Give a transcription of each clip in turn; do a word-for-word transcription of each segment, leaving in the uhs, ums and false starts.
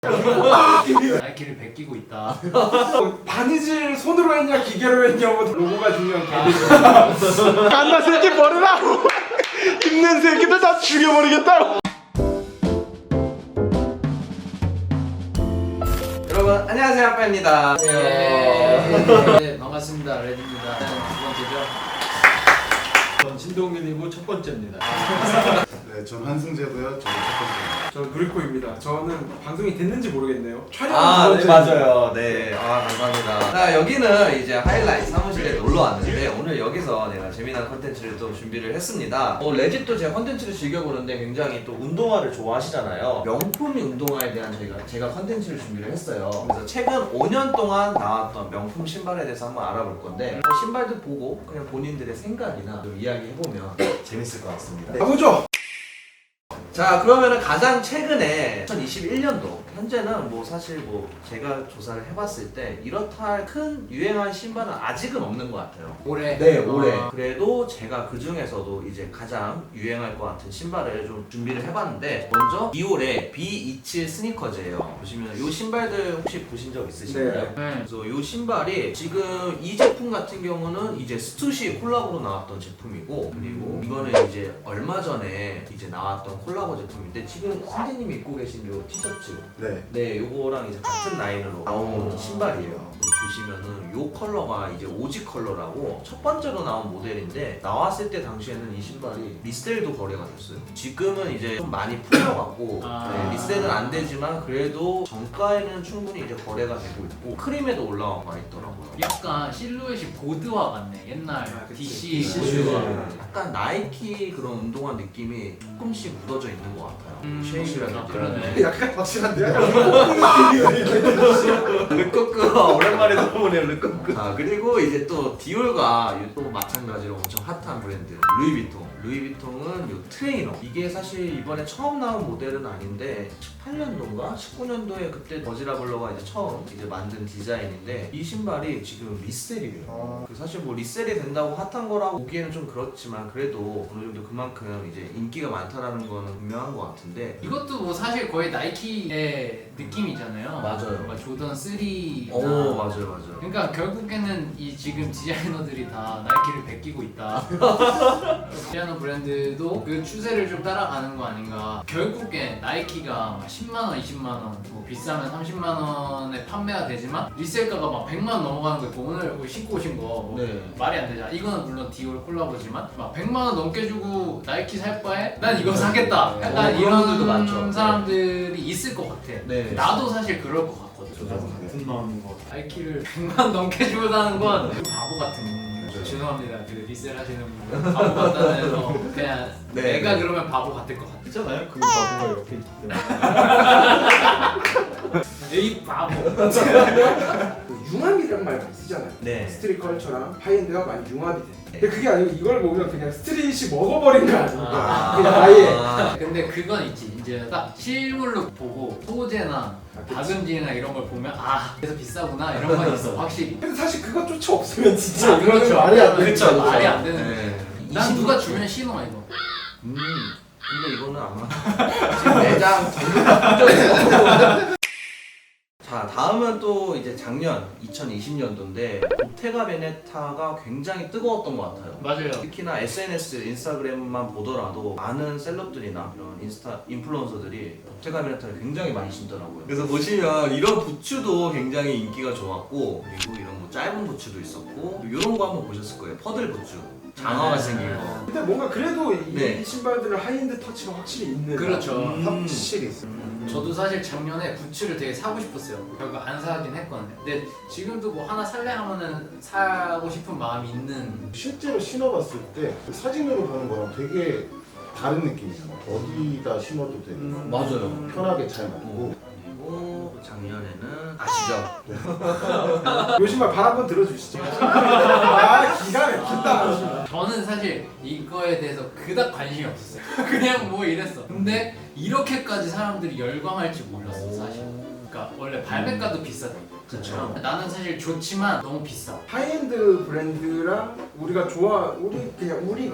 나이키를 베끼고 있다. 바느질 손으로 했냐 기계로 했냐 뭐 로고가 중요한 게. 갓나 새끼 버리라고. 힘낸 새끼들 다 죽여버리겠다고. 여러분 안녕하세요, 아빠입니다. 예. 네, 반갑습니다. 레드입니다. 두 번째죠. 전 신동균이고 첫 번째입니다. 네, 전 한승재고요. 저는 첫 번째입니다. 저 누리코입니다. 저는 방송이 됐는지 모르겠네요. 촬영 아, 두 네, 번째. 맞아요. 네, 아, 감사합니다. 자, 여기는 이제 하이라이트 사무실에 놀러 왔는데, 오늘 여기서 내가 재미난 컨텐츠를 또 준비를 했습니다. 어, 레짓도 제 컨텐츠를 즐겨보는데 굉장히 또 운동화를 좋아하시잖아요. 명품이 운동화에 대한 저희가, 제가 컨텐츠를 준비를 했어요. 그래서 최근 오 년 동안 나왔던 명품 신발에 대해서 한번 알아볼 건데, 뭐 신발도 보고 그냥 본인들의 생각이나 좀 이야기해보면 재밌을 것 같습니다. 가보죠. 자, 그러면은 가장 최근에 이천이십일 년도 현재는 뭐 사실 뭐 제가 조사를 해봤을 때 이렇다 할 큰 유행한 신발은 아직은 없는 것 같아요. 올해. 네, 올해. 아. 그래도 제가 그 중에서도 이제 가장 유행할 것 같은 신발을 좀 준비를 해봤는데, 먼저 디올의 비 이십칠 스니커즈예요. 보시면 이 신발들 혹시 보신 적 있으신가요? 네. 네. 그래서 이 신발이 지금 이 제품 같은 경우는 이제 스투시 콜라보로 나왔던 제품이고, 그리고 이거는 이제 얼마 전에 이제 나왔던 콜라보 제품인데, 지금 선생님이 입고 계신 요 티셔츠, 네. 네, 요거랑 이제 같은 라인으로 나온 신발이에요. 보시면은 요 컬러가 이제 오지 컬러라고 첫 번째로 나온 모델인데, 나왔을 때 당시에는 이 신발이 리셀도 거래가 됐어요. 지금은 이제 좀 많이 풀려갖고 아. 네, 리셀은 안 되지만 그래도 정가에는 충분히 이제 거래가 되고 있고, 크림에도 올라와 있더라고요. 약간 실루엣이 보드화 같네. 옛날 아, 그치. 디씨 디씨 보드화. 네. 약간 나이키 그런 운동화 느낌이 조금씩 묻어져 있는 것 같아요. 음, 쉐입이라든지. 아, 그러네. 약간 확실한데요? 르꼬끄 오랜만에 들어보네요. 르꼬끄. 아, 그리고 이제 또 디올과 또 마찬가지로 엄청 핫한 브랜드 루이비통. 루이비통은 요 트레이너. 이게 사실 이번에 처음 나온 모델은 아닌데 십팔 년도인가 십구 년도에 그때 버지라블러가 이제 처음 이제 만든 디자인인데, 이 신발이 지금 리셀이에요. 그 사실 뭐 리셀이 된다고 핫한 거라고 보기에는 좀 그렇지만, 그래도 어느 정도 그만큼 이제 인기가 많다라는 거는 분명한 것 같은데. 이것도 뭐 사실 거의 나이키의 느낌이잖아요. 맞아요. 뭔가 조던 쓰리나. 오, 맞아요, 맞아요. 그러니까 결국에는 이 지금 디자이너들이 다 나이키를 베끼고 있다. 피아노 브랜드도 그 추세를 좀 따라가는 거 아닌가. 결국엔 나이키가 막 십만 원, 이십만 원, 뭐 비싸면 삼십만 원에 판매가 되지만 리셀가가 막 백만 원 넘어가는 거 있고, 오늘 뭐 신고 오신 거뭐 네. 말이 안 되잖아. 이거는 물론 디올 콜라보지만 막 백만 원 넘게 주고 나이키 살 바에 난 이거 사겠다. 약간 어, 그런 이런 분들도 많죠. 사람들이 있을 것 같아. 네. 나도 사실 그럴 것 같거든. 같은 마음인 것 같아요. 나이키를 백만 원 넘게 주고 사는 건 바보 같은. 죄송합니다. 그 리셀 하시는 분 바보 같다는 해서 그냥 네, 내가 네. 그러면 바보 같을 것 같아. 있잖아요. 그 바보가 옆에 있기 때문에. 에이 바보. 그 융합이라는 말 많이 쓰잖아요. 네. 스트릿 컬처랑 하이엔드가 많이 융합이 돼. 근데 그게 아니고 이걸 보면 그냥 스트릿이 먹어버린 거 아닙니까? 아. 그냥 아예. 아, 근데 그건 있지. 이제 딱 실물로 보고 소재나 그치. 박음질이나 이런 걸 보면 아 그래서 비싸구나 이런 건 있어 확실히. 근데 사실 그것조차 없으면 진짜 아, 이거는 그렇죠. 말이 안 되는 그쵸, 거죠. 말이 안 되는 네. 거야. 난 누가 주면 신어 이거. 음, 근데 이거는 아마 지금 매장 정리. 자, 다음은 또 이제 작년 이천이십 년도인데 보테가 베네타가 굉장히 뜨거웠던 것 같아요. 맞아요. 특히나 에스엔에스, 인스타그램만 보더라도 많은 셀럽들이나 이런 인스타 인플루언서들이 보테가 베네타를 굉장히 많이 신더라고요. 그래서 보시면 이런 부츠도 굉장히 인기가 좋았고, 그리고 이런 뭐 짧은 부츠도 있었고, 이런 거 한번 보셨을 거예요. 퍼들 부츠. 장어가 생긴 거. 근데 뭔가 그래도 이 네. 신발들은 하이엔드 터치가 확실히 있는. 그렇죠. 음. 확실히 있어요. 저도 사실 작년에 부츠를 되게 사고 싶었어요. 결국 안 사긴 했거든요. 근데 지금도 뭐 하나 살래 하면은 사고 싶은 마음이 있는. 실제로 신어봤을 때 사진으로 보는 거랑 되게 다른 느낌이잖아요. 어디다 신어도 되고 음, 맞아요. 편하게 잘 맞고. 그리고 작년에는 아시죠? 요 신발 발 한번 들어주시죠. 아 기가 막힌다. 저는 사실 이거에 대해서 그닥 관심이 없었어요. 그냥 뭐 이랬어. 근데 이렇게까지 사람들이 열광할지 몰랐어 사실. 그러니까 원래 발매가도 비싸다. 그쵸. 나는 사실 좋지만 너무 비싸. 하이엔드 브랜드랑 우리가 좋아 우리 그냥 우리가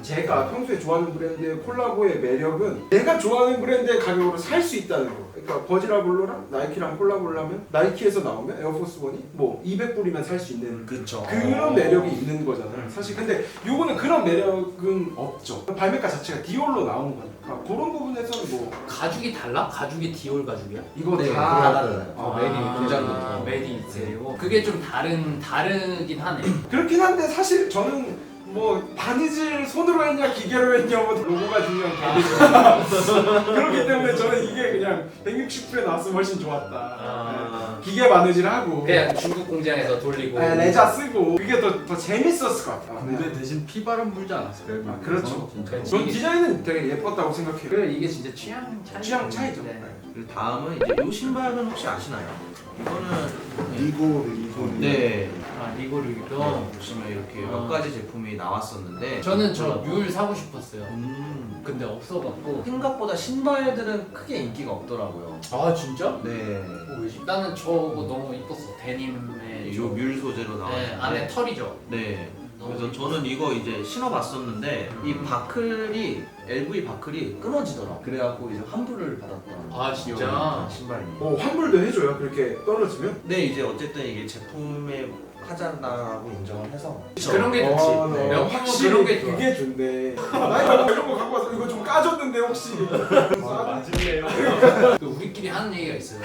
제가 평소에 좋아하는 브랜드의 콜라보의 매력은 내가 좋아하는 브랜드의 가격으로 살 수 있다는 거. 그러니까 버지라블로랑 나이키랑 콜라보를 하면 나이키에서 나오면 에어포스원이 뭐 이백 불이면 살 수 있는 그쵸. 그런 매력이 있는 거잖아요. 사실 근데 요거는 그런 매력은 없죠. 발매가 자체가 디올로 나온 거니까 그런 부분에서는 뭐 가죽이 달라? 가죽이 디올 가죽이야? 이거 네, 다 달라요. 아, 메이드 아, 공장부터. 메이드 인 이태리고 그게 좀 다른 다르긴 하네. 그렇긴 한데 사실 저는 뭐 바느질 손으로 했냐 기계로 했냐 뭐 로고가 중요한 게 아니죠. 그렇기 때문에 저는 이게 그냥 백육십 불에 나왔으면 훨씬 좋았다. 아. 네. 기계 바느질하고 그냥 중국 공장에서 돌리고. 네, 레자 쓰고 그게 더, 더 재밌었을 것 같아요. 근데 대신 피바람 불지 않았을까요? 아, 그렇죠. 진짜. 그렇지. 전 디자인은 되게 예뻤다고 생각해요. 그래 이게 진짜 취향 차이. 취향 차이죠. 네. 그리고 다음은 이제 이 신발은 혹시 아시나요? 이거는 리고 리고 네. 아 리고르기도. 보시면 이렇게 아. 몇 가지 제품이 나왔었는데 저는 저 뮬 사고 싶었어요. 음, 근데 없어갖고. 생각보다 신발들은 크게 인기가 없더라고요. 아 진짜? 네. 어, 왜지? 나는 저거 너무 이뻤어. 데님의 요 뮬 소재로 나왔는데 네, 안에 털이죠. 네. 그래서 저는 이거 이제 신어봤었는데 이 바클이 엘브이 바클이 끊어지더라고. 그래갖고 이제 환불을 받았던. 아, 진짜? 기억이 나는 신발입니다. 어, 환불도 해줘요. 그렇게 떨어지면. 근데 이제 어쨌든 이게 제품의 하자라고 인정을 해서 그런 게 좋지. 어, 네. 명품은 확실히 그런 게 좋아. 그게 좋네. 나 이거 이런 거 갖고 와서 이거 좀 까줬는데 혹시. 맞을래요? 그 우리끼리 하는 얘기가 있어요.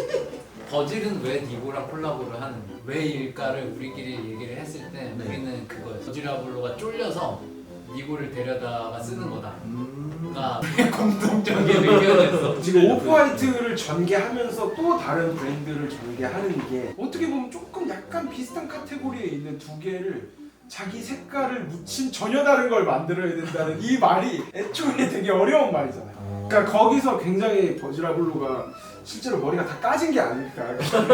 버질은 왜 니고랑 콜라보를 하는지 왜일까를 우리끼리 얘기를 했을 때 네. 우리는 그거였어. 버지라블로가 쫄려서 니고를 데려다가 쓰는 거다. 가 우리의 공동적인 의견이었어. 지금 오프화이트를 전개하면서 또 다른 브랜드를 전개하는 게 어떻게 보면 조금 약간 비슷한 카테고리에 있는 두 개를 자기 색깔을 묻힌 전혀 다른 걸 만들어야 된다는 이 말이 애초에 되게 어려운 말이잖아요. 그러니까 거기서 굉장히 버지라블로가 실제로 머리가 다 까진 게 아닐까.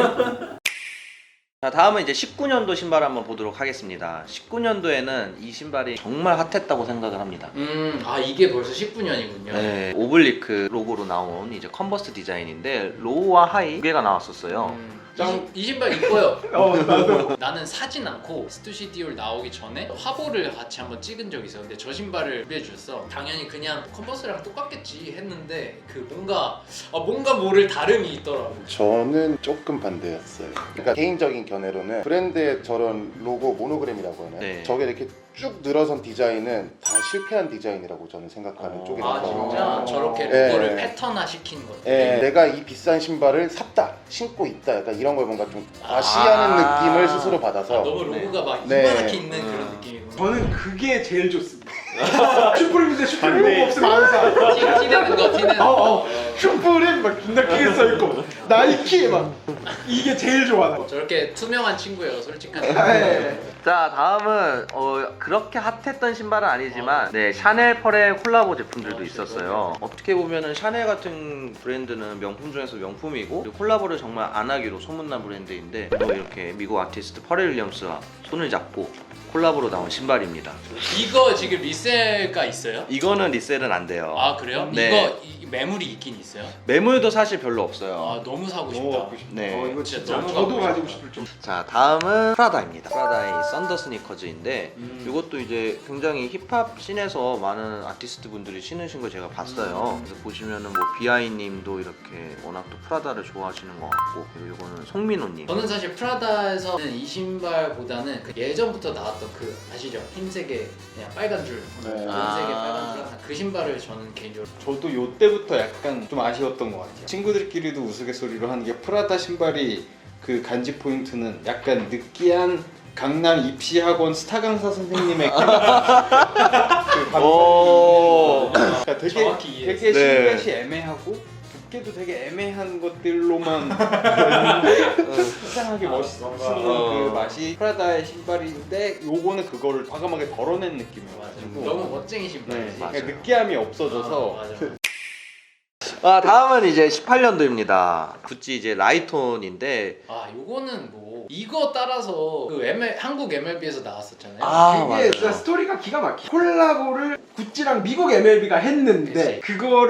자, 다음은 이제 십구 년도 신발 한번 보도록 하겠습니다. 십구 년도에는 이 신발이 정말 핫했다고 생각을 합니다. 음, 아 이게 벌써 십구 년이군요. 네, 오블리크 로고로 나온 이제 컨버스 디자인인데 로우와 하이 두 개가 나왔었어요. 음, 이, 신- 이 신발 이뻐요. 어, 나도. 나는 사진 않고 스투시 디올 나오기 전에 화보를 같이 한번 찍은 적이 있어. 근데 저 신발을 준비해줬어. 당연히 그냥 컨버스랑 똑같겠지 했는데 그 뭔가 아, 뭔가 모를 다름이 있더라고. 저는 조금 반대였어요. 그러니까 개인적인 견해로는 브랜드의 저런 로고 모노그램이라고 하나요? 네. 저게 이렇게 쭉 늘어선 디자인은 다 실패한 디자인이라고 저는 생각하는 어. 쪽이라서. 아 진짜 저렇게 네. 로고를 패턴화 시킨 것. 예, 내가 이 비싼 신발을 샀다, 신고 있다, 약간 이런 걸 뭔가 좀 과시하는 아. 느낌을 스스로 아, 받아서. 너무 로고가 막 네. 이만하게 있는 음. 그런 느낌이구나. 저는 그게 제일 좋습니다. 슈프림인데 슈프림 로고 없으면 안 사. 티, 티내는 거 티내는 어, 거. 어. 슈프림 막 존나 크게 써있고 나이키 막 이게 제일 좋아. 나. 저렇게 투명한 친구예요, 솔직한. 네. 자, 다음은 어, 그렇게 핫했던 신발은 아니지만 네, 샤넬 펄의 콜라보 제품들도 있었어요. 어떻게 보면은 샤넬 같은 브랜드는 명품 중에서 명품이고 그리고 콜라보를 정말 안 하기로 소문난 브랜드인데 또 이렇게 미국 아티스트 퍼렐 윌리엄스와 손을 잡고 콜라보로 나온 신발입니다. 이거 지금 리셀가 있어요? 이거는 리셀은 안 돼요. 아 그래요? 네. 이거 이, 매물이 있긴 있어요? 매물도 사실 별로 없어요. 아 너무 사고 싶다. 네. 어, 이거 진짜 진짜 너무 저도 가고 가지고 싶다. 싶을 좀. 자, 다음은 프라다입니다. 프라다의 썬더 스니커즈인데 이것도 이제 굉장히 힙합 씬에서 많은 아티스트 분들이 신으신 걸 제가 봤어요. 그래서 보시면은 뭐 비아이님도 이렇게 워낙 또 프라다를 좋아하시는 것 같고 그리고 이거는 송민호님. 저는 사실 프라다에서는 이 신발보다는 그 예전부터 나왔던 그 아시죠? 흰색에 그냥 빨간 줄, 네. 흰색에 아. 빨간 줄, 그 신발을 저는 개인적으로 저도 요 때부터 약간 좀 아쉬웠던 것 같아요. 친구들끼리도 우스갯소리로 하는 게 프라다 신발이 그 간지 포인트는 약간 느끼한 강남 입시학원 스타 강사 선생님의 그, 그 오. 그러니까 되게 정확히 이해했어요. 되게 네. 실루엣이 애매하고 두께도 되게 애매한 것들로만 있는데 이상하게 멋있는 어. 그 맛이 프라다의 신발인데 요거는 그거를 과감하게 덜어낸 느낌이어가지고 너무 멋쟁이 신발이지. 네, 그러니까 느끼함이 없어져서 아, 맞아. 아, 다음은 이제 십팔 년도입니다. 구찌 이제 라이톤인데 아 요거는 뭐 이거 따라서 그 엠엘, 한국 엠엘비에서 나왔었잖아요. 아, 이게 맞아요. 진짜 스토리가 기가 막혀. 콜라보를 구찌랑 미국 엠엘비가 했는데 그치. 그거를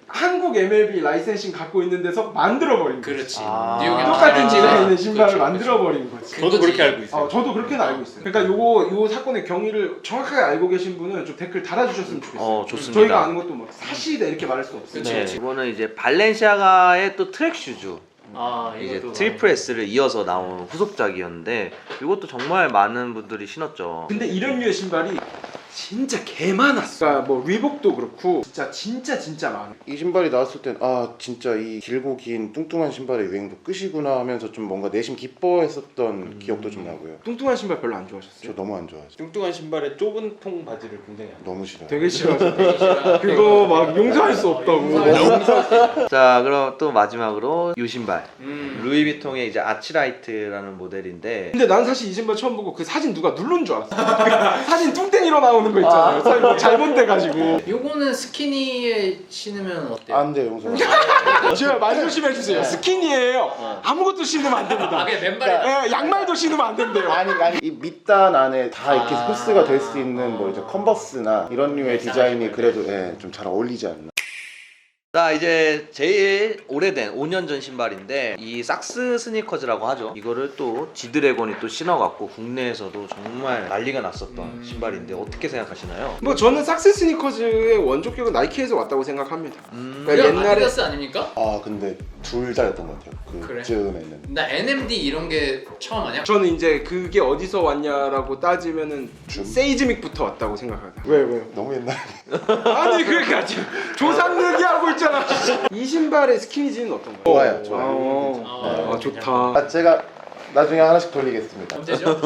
한국 엠엘비 라이센싱 갖고 있는 데서 만들어버린 거야. 그렇지. 아. 뉴욕에 똑같은 만들어진 디자인의 거. 신발을 그렇죠, 만들어버린 거지. 그렇죠. 저도 그렇게 그거지. 알고 있어요. 어, 저도 그렇게는 알고 있어요. 그러니까 요거 요 사건의 경위를 정확하게 알고 계신 분은 좀 댓글 달아주셨으면 좋겠어요. 어, 좋습니다. 저희가 아는 것도 뭐 사실이다 이렇게 말할 수 없어요. 그치, 네, 그치. 이거는 이제 발렌시아가의 또 트랙 슈즈. 아, 이제 이것도 트리플 S를 이어서 나온 후속작이었는데 이것도 정말 많은 분들이 신었죠. 근데 이런 류의 신발이 진짜 개 많았어. 그러니까 뭐 리복도 그렇고 진짜 진짜 진짜 많아. 이 신발이 나왔을 땐 아 진짜 이 길고 긴 뚱뚱한 신발의 유행도 끝이구나 하면서 좀 뭔가 내심 기뻐했었던 음. 기억도 좀 나고요. 뚱뚱한 신발 별로 안 저 좋아하셨어요? 너무 안 좋아하죠. 뚱뚱한 신발에 좁은 통 바지를 굉장히 안 너무 싫어요. 되게 싫어하죠. 되게 싫어. 그거 막 용서할 수 없다고. 자, 그럼 또 마지막으로 이 신발. 음. 루이비통의 이제 아치라이트라는 모델인데 근데 난 사실 이 신발 처음 보고 그 사진 누가 누른 줄 알았어. 사진 뚱땡이로 나오는 거 있잖아요. 사진 뭐 잘못돼가지고. 요거는 스키니에 신으면 어때요? 안 돼요, 용서. 제가 말 조심해 주세요. 스키니예요. 아무것도 신으면 안 됩니다. 아, 그냥 맨발이 예, 양말도 신으면 안 된대요. 아니 아니 이 밑단 안에 다 이렇게 아. 흡수가 될 수 있는 뭐 이제 컨버스나 이런 류의 디자인이 그래도 예, 좀 잘 어울리지 않나. 자, 이제 제일 오래된 오 년 전 신발인데 이 삭스 스니커즈라고 하죠. 이거를 또 지드래곤이 또 신어갖고 국내에서도 정말 난리가 났었던 음. 신발인데 어떻게 생각하시나요? 뭐 저는 삭스 스니커즈의 원조격은 나이키에서 왔다고 생각합니다. 음, 그러니까 그냥 옛날에- 아디다스 아닙니까? 아 근데 둘 다였던 것 같아요. 그래? 그쯤에는. 나 엔엠디 이런 게 처음 아니야? 저는 이제 그게 어디서 왔냐라고 따지면은 줌? 세이즈믹부터 왔다고 생각합니다. 왜 왜요? 너무 옛날. 아니 그러니까 지금 조상 얘기하고 있잖아. 이 신발의 스키니진은 어떤가요? 좋아요, 좋아요. 아, 어, 아, 좋다. 아 제가 나중에 하나씩 돌리겠습니다. 언제죠?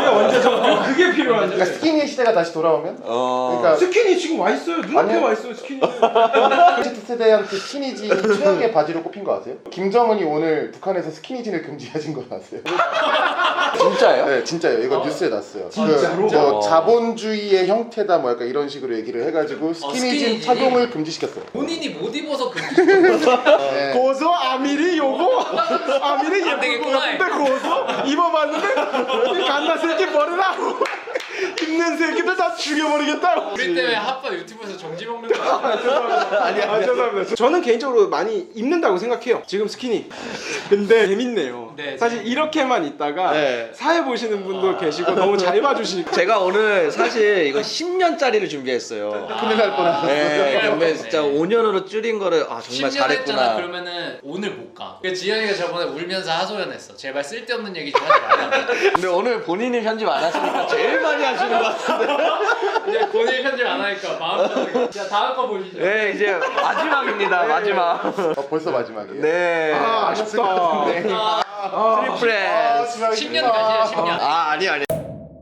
그게 필요한데. 그러니까 스키니 시대가 다시 돌아오면 어... 그러니까 스키니 지금 와 있어요. 눈앞에 아니요. 와 있어요. 스키니. Z 세대한테 스키니진이 최악의 바지로 꼽힌 거 아세요? 김정은이 오늘 북한에서 스키니진을 금지하신 거 아세요? 진짜요? 네, 진짜요. 이거 어. 뉴스에 났어요. 진짜로? 그, 뭐 어. 자본주의의 형태다 뭐 약간 이런 식으로 얘기를 해가지고 스키니진 스키니진이? 착용을 금지시켰어요. 본인이 못 입어서 그 네. 고소 아미리 요거 아미리 안 예쁜 거 되겠구나. 같은데 고소 입어봤는데 갓나 새끼 버리라고 입는 새끼들 다 죽여버리겠다고. 우리 때문에 핫바 유튜브에서 정지 먹는 거 아니야? 아, 죄송합니다. 저는 개인적으로 많이 입는다고 생각해요. 지금 스키니. 근데 재밌네요. 네, 사실 이렇게만 있다가 네. 사회 보시는 분도 계시고 너무 잘 봐주시니까. 제가 오늘 사실 이거 십 년짜리를 준비했어요. 큰일 날 뻔했어요. 네, 근데 진짜 오 년으로 줄인 거를 아 정말 십 년 했잖아. 잘했구나. 그러면은 오늘 못 가. 그 지현이가 저번에 울면서 하소연했어. 제발 쓸데없는 얘기 좀 하지 말라고. 근데 오늘 본인이 편집 안 하시니까 제일 많이 하시는 것 같은데. 이제 본인 편집 안 하니까 마음 편하게. 자, 다음 거 보시죠. 네, 이제 마지막입니다. 마지막. 어, 벌써 마지막이에요. 네. 아, 아쉽다. 아, 트리플 아, S. 지나가겠다. 십 년 가시죠, 십 년. 아, 아니 아니.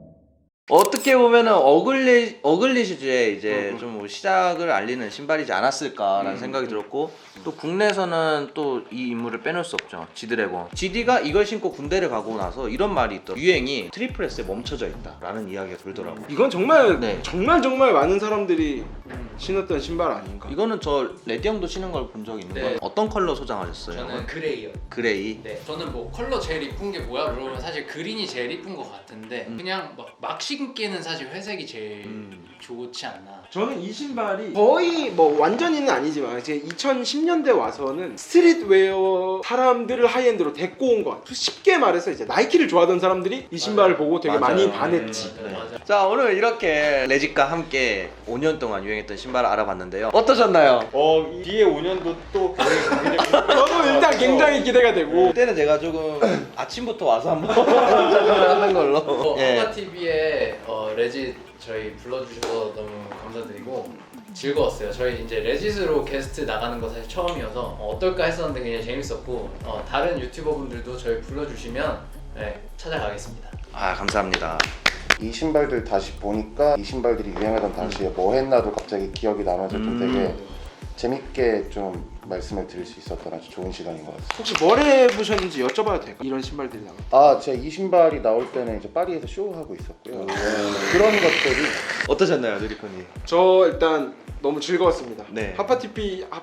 어떻게 보면은 어글리 어글리 슈즈의 이제 좀 뭐 시작을 알리는 신발이지 않았을까라는 생각이 들었고 또 국내에서는 또 이 인물을 빼놓을 수 없죠. 지드래곤. 지디가 이걸 신고 군대를 가고 나서 이런 말이 있더라고요. 유행이 트리플 S에 멈춰져 있다라는 이야기가 돌더라고요. 이건 정말 네. 정말 정말 많은 사람들이 신었던 신발 아닌가. 이거는 저 레디 형도 신은 걸 본 적이 있는 네. 거예요. 어떤 컬러 소장하셨어요? 저는 그레이요. 그레이. 네, 저는 뭐 컬러 제일 이쁜 게 뭐야? 그러면 사실 그린이 제일 이쁜 것 같은데 음. 그냥 막, 막 신기에는 사실 회색이 제일 음. 좋지 않나. 저는 이 신발이 거의 뭐 완전히는 아니지만 이제 이천십 년대 와서는 스트릿웨어 사람들을 하이엔드로 데리고 온 것 같아요. 쉽게 말해서 이제 나이키를 좋아하던 사람들이 이 신발을 맞아요. 보고 되게 맞아요. 많이 네, 반했지. 맞아요, 맞아요. 자, 오늘 이렇게 레짓과 함께 오 년 동안 유행했던 신발을 알아봤는데요. 어떠셨나요? 어, 이 뒤에 오 년도 또 굉장히 저도 일단 굉장히 기대가 되고. 그때는 제가 조금 아침부터 와서 한번 촬영을 하는 걸로. 어, 예. 아가티비에 어, 레짓 저희 불러주셔서 너무 감사드리고 즐거웠어요. 저희 이제 레짓으로 게스트 나가는 거 사실 처음이어서 어, 어떨까 했었는데 굉장히 재밌었고 어, 다른 유튜버 분들도 저희 불러주시면 네, 찾아가겠습니다. 아, 감사합니다. 이 신발들 다시 보니까 이 신발들이 유행하던 당시에 뭐 했나도 갑자기 기억이 나면서 좀 음. 되게 재밌게 좀 말씀을 드릴 수 있었던 아주 좋은 시간인 것 같아요. 혹시 뭘 해보셨는지 여쭤봐도 될까요? 이런 신발들이 나와. 아, 제가 이 신발이 나올 때는 이제 파리에서 쇼하고 있었고요. 네, 그런 것들이 어떠셨나요, 누리코님? 저 일단 너무 즐거웠습니다. 네. 하파티피 하...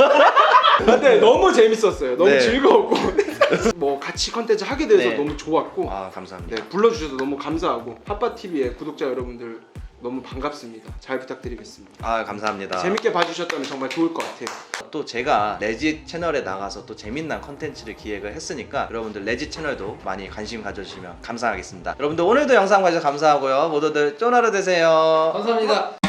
근데 너무 재밌었어요. 너무 네. 즐거웠고 뭐 같이 컨텐츠 하게 돼서 네. 너무 좋았고 아, 감사합니다. 네, 불러주셔서 너무 감사하고 하파티비의 구독자 여러분들 너무 반갑습니다. 잘 부탁드리겠습니다. 아 감사합니다. 재밌게 봐주셨다면 정말 좋을 것 같아요. 또 제가 레짓 채널에 나가서 또 재밌는 컨텐츠를 기획을 했으니까 여러분들 레짓 채널도 많이 관심 가져주시면 감사하겠습니다. 여러분들 오늘도 영상 봐주셔서 감사하고요. 모두들 쫀 하루 되세요. 감사합니다.